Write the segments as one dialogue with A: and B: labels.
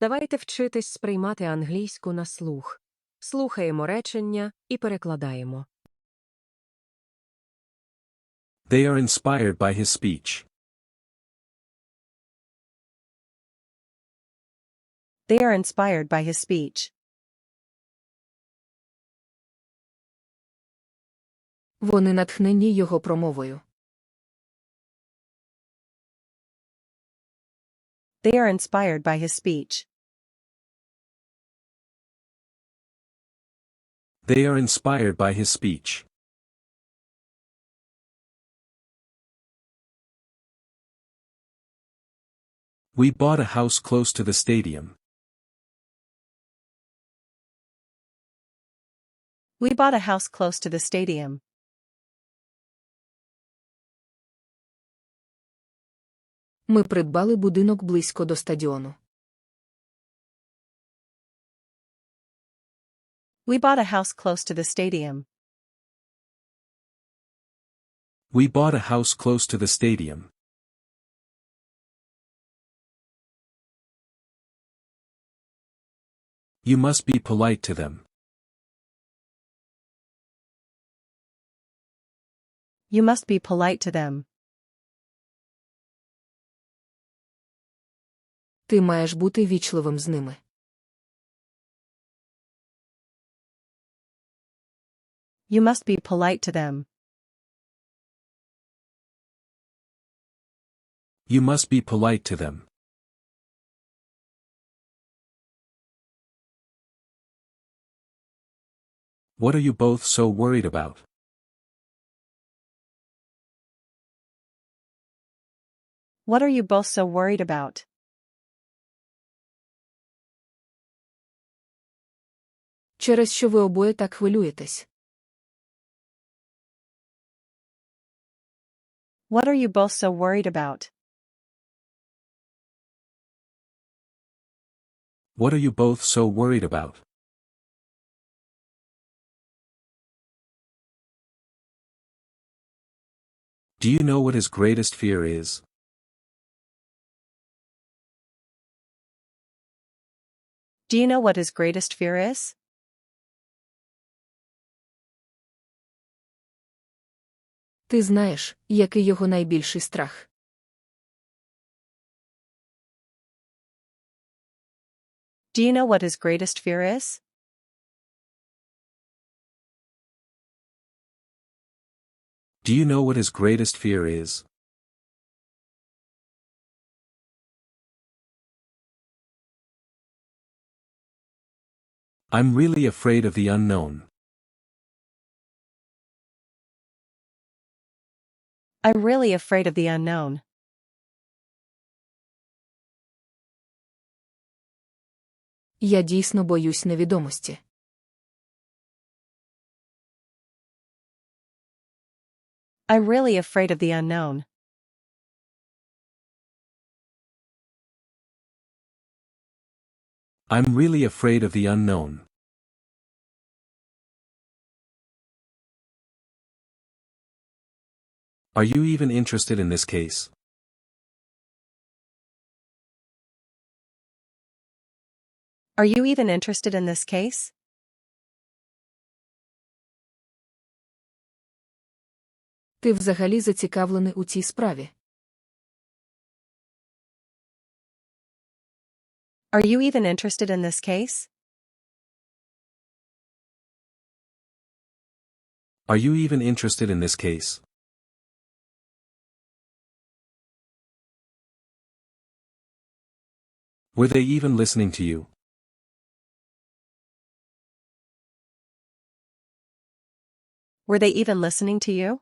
A: Давайте вчитись сприймати англійську на слух. Слухаємо речення і перекладаємо.
B: They are inspired by his speech.
C: They are inspired by his speech.
A: Вони натхнені його промовою.
C: They are inspired by his speech.
B: They are inspired by his speech. We bought a house close to the stadium.
C: We bought a house close to the stadium.
A: Ми придбали будинок близько до стадіону.
C: We bought a house close to the stadium.
B: We bought a house close to the stadium. You must be polite to them.
C: You must be polite to them.
A: Ти маєш бути вічливим з ними.
C: You must be polite to them.
B: You must be polite to them. What are you both so worried about?
C: What are you both so worried about?
A: Через що ви обоє так хвилюєтесь?
C: What are you both so worried about?
B: What are you both so worried about? Do you know what his greatest fear is?
C: Do you know what his greatest fear is?
A: Ти знаєш, який його найбільший страх?
C: Do you know what his greatest fear is?
B: Do you know what his greatest fear is? I'm really afraid of the unknown.
C: I'm really afraid of the unknown.
A: Я дійсно боюсь невідомості.
C: I'm really afraid of the unknown.
B: I'm really afraid of the unknown. Are you even interested in this case?
C: Are you even interested in this case?
A: Ти взагалі зацікавлений у цій справі?
C: Are you even interested in this case?
B: Are you even interested in this case? Were they even listening to you?
C: Were they even listening to you?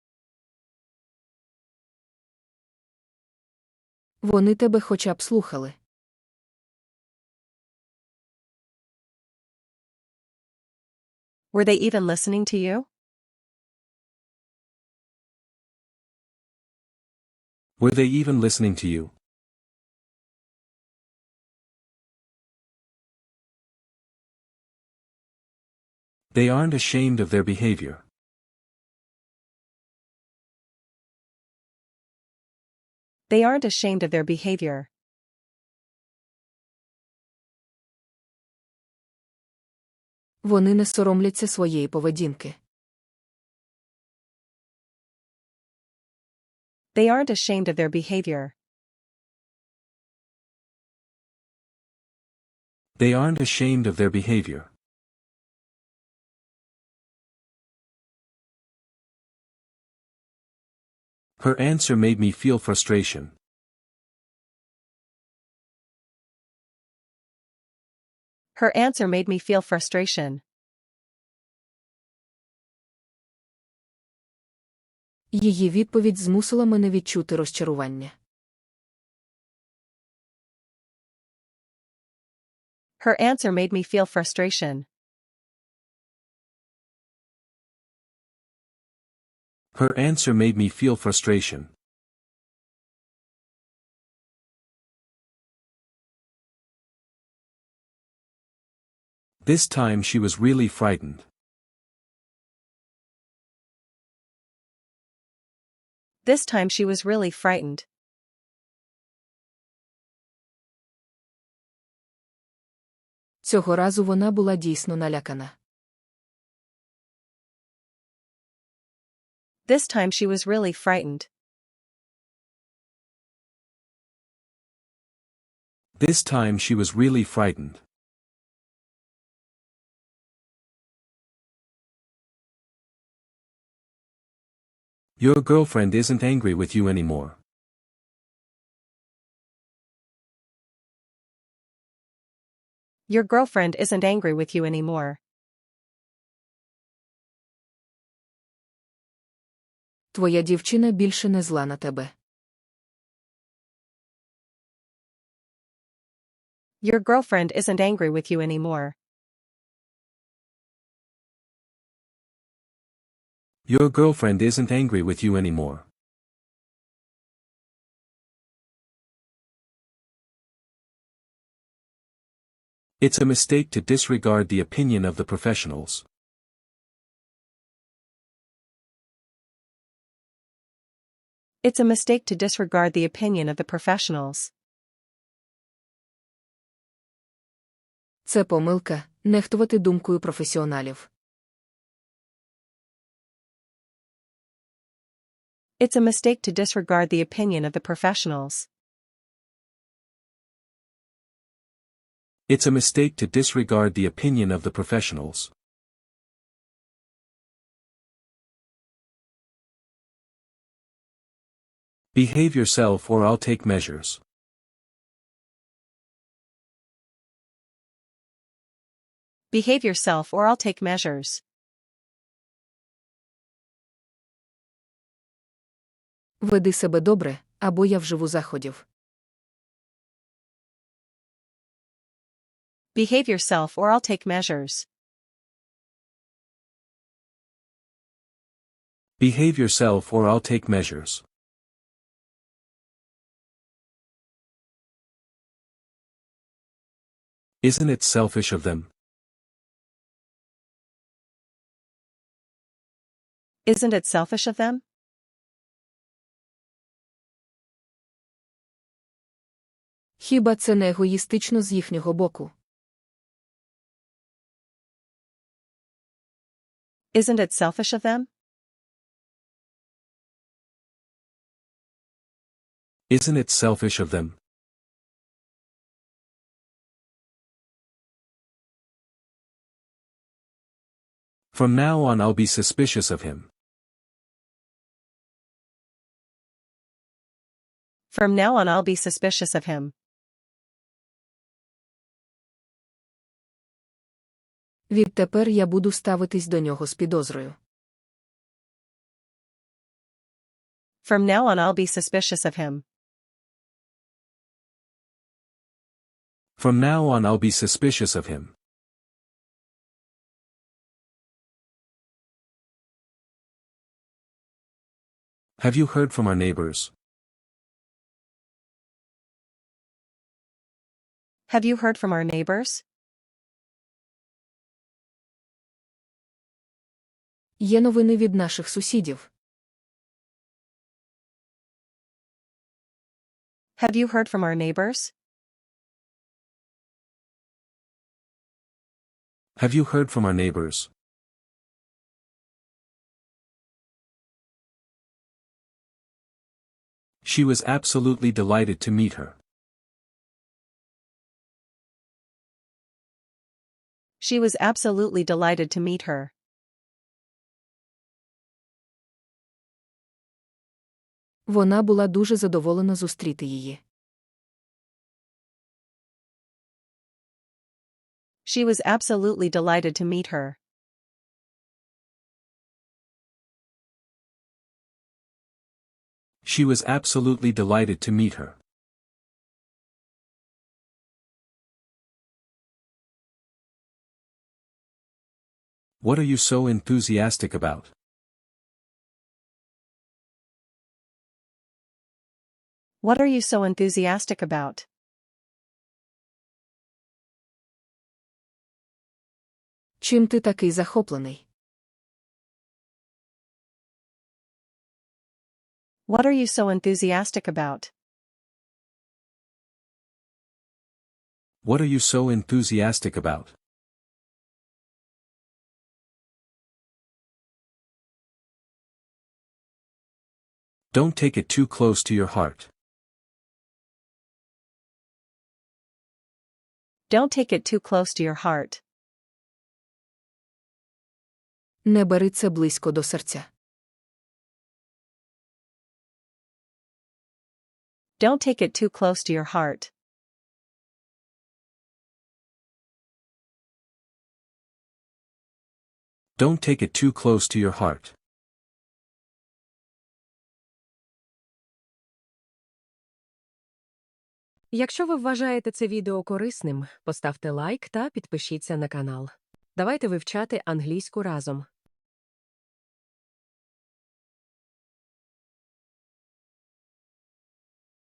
A: Вони тебе хоча б слухали.
C: Were they even listening to you?
B: Were they even listening to you? They aren't ashamed of their behavior.
C: They aren't ashamed of their behavior.
D: Вони не соромляться своєї поведінки.
C: They aren't ashamed of their behavior.
B: They aren't ashamed of their behavior. Her answer made me feel frustration.
C: Her answer made me feel frustration.
D: Її відповідь змусила мене відчути розчарування.
C: Her answer made me feel frustration.
B: Her answer made me feel frustration. This time she was really frightened.
C: This time she was really frightened.
D: Цього разу вона була дійсно налякана.
C: This time she was really frightened.
B: This time she was really frightened. Your girlfriend isn't angry with you anymore.
C: Your girlfriend isn't angry with you anymore.
D: Твоя дівчина більше не зла на тебе.
C: Your girlfriend isn't angry with you anymore.
B: Your girlfriend isn't angry with you anymore. It's a mistake to disregard the opinion of the professionals.
C: It's a mistake to disregard the opinion of the professionals.
D: Це помилка – нехтувати думкою професіоналів.
C: It's a mistake to disregard the opinion of the professionals.
B: It's a mistake to disregard the opinion of the professionals. Behave yourself or I'll take measures.
C: Behave yourself or I'll take measures.
D: Веди себе добре, або я вживу заходів.
C: Behave yourself or I'll take measures.
B: Behave yourself or I'll take measures. Isn't it selfish of them?
C: Isn't it selfish of them?
D: Хіба це не егоїстично з їхнього боку?
C: Isn't it selfish of them?
B: Isn't it selfish of them? From now on I'll be suspicious of him.
C: From now on I'll be suspicious of him.
D: Відтепер я буду ставитись до нього з підозрою.
C: From now on I'll be suspicious of him.
B: From now on I'll be suspicious of him. Have you heard from our neighbors?
C: Have you heard from our neighbors?
D: Є новини від наших сусідів.
C: Have you heard from our neighbors?
B: Have you heard from our neighbors? She was absolutely delighted to meet her.
C: She was absolutely delighted to meet her.
D: Вона була дуже задоволена зустріти її.
C: She was absolutely delighted to meet her.
B: She was absolutely delighted to meet her. What are you so enthusiastic about?
C: What are you so enthusiastic about?
D: Чим ти такий захоплений?
C: What are you so enthusiastic about?
B: What are you so enthusiastic about? Don't take it too close to your heart.
C: Don't take it too close to your heart.
D: Не бери це близько до серця.
C: Don't take it too close to your heart.
B: Don't take it too close to your heart.
A: Якщо ви вважаєте це відео корисним, поставте лайк та підпишіться на канал. Давайте вивчати англійську разом.